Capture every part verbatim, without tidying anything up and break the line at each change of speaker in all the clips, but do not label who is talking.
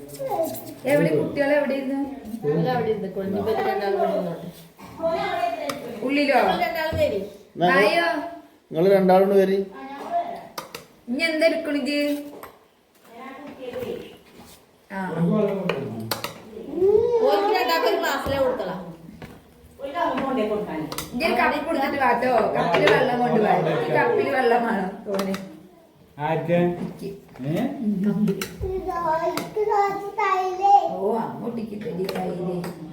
എവിടെ കുട്ടികളെ എവിടെ ഇരുന്ന് ഉള്ളിലോ ആയോ
നിങ്ങള് രണ്ടാളോട് വരി
ഇനി എന്താ എടുക്കണിത് കപ്പി കൊടുത്തിട്ട് വാട്ടോ കപ്പില് വെള്ളം കൊണ്ട് വാ കപ്പില് വെള്ളമാണോ തോനെ ഓ അങ്ങോട്ടേക്ക് തൈല്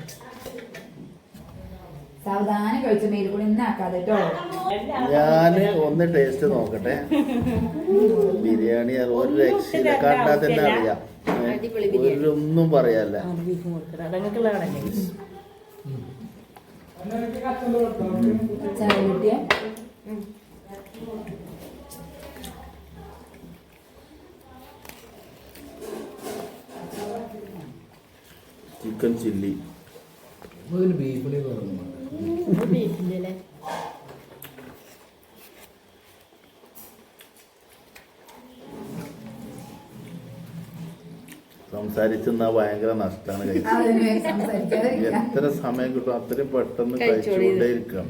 സാവധാനം കഴിച്ച മേൽ കൂടെ ഇന്നാക്കാതെ കേട്ടോ.
ഞാന് ഒന്ന് ടേസ്റ്റ് നോക്കട്ടെ. ബിരിയാണി ഒരു രക്ഷയില്ല, കണ്ടാൽ തന്നെ അറിയാം. ഒന്നും പറയാല്ല. ചിക്കൻ ചില്ലി സംസാരിച്ചെന്നാ ഭയങ്കര നഷ്ടമാണ്. എത്ര സമയം കിട്ടും അത്രയും പെട്ടെന്ന് കഴിച്ചുകൊണ്ടേ ഇരിക്കാം.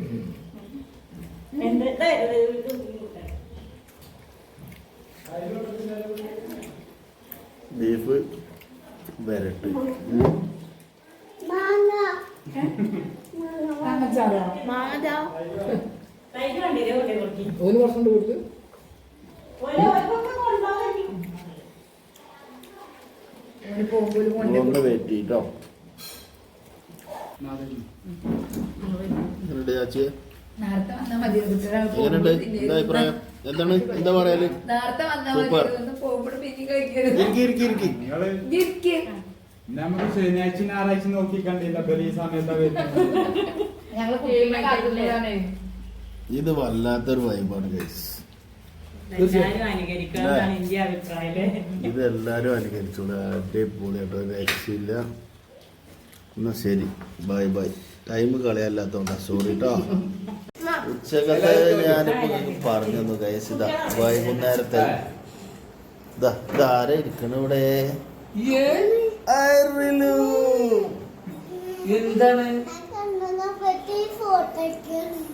ബീഫ് വരട്ട്
ഒരു വർഷം കൊടുത്ത്
ഒന്ന് വെയിറ്റ് ചെയ്ട്ടോ. എങ്ങനെയുണ്ട്? എന്താ അഭിപ്രായം? എന്താണ് എന്താ പറയാല്? സൂപ്പർ.
നമുക്ക് ശനിയാഴ്ച ഞായറാഴ്ച നോക്കി കണ്ടില്ല. ഈ സമയത്താ
ഇത് വല്ലാത്തൊരു വൈബാണ് ഗൈസ്. ഇതെല്ലാരും അനുകരിച്ചോളൂ. അടിപൊളിയാട്ടോ, രക്ഷയില്ല. എന്നാ ശരി, ബൈ ബൈ. ടൈം കളയല്ലാത്തോണ്ടാ, സോറി കേട്ടോ. ഉച്ചക്കത്തെ ഞാനിപ്പോ പറഞ്ഞു തന്നു ഗൈസ്. ഇതാ വൈകുന്നേരത്തെ ഇതാ ഇതാരാ ഇരിക്കണ ഇവിടെ? എന്താണ്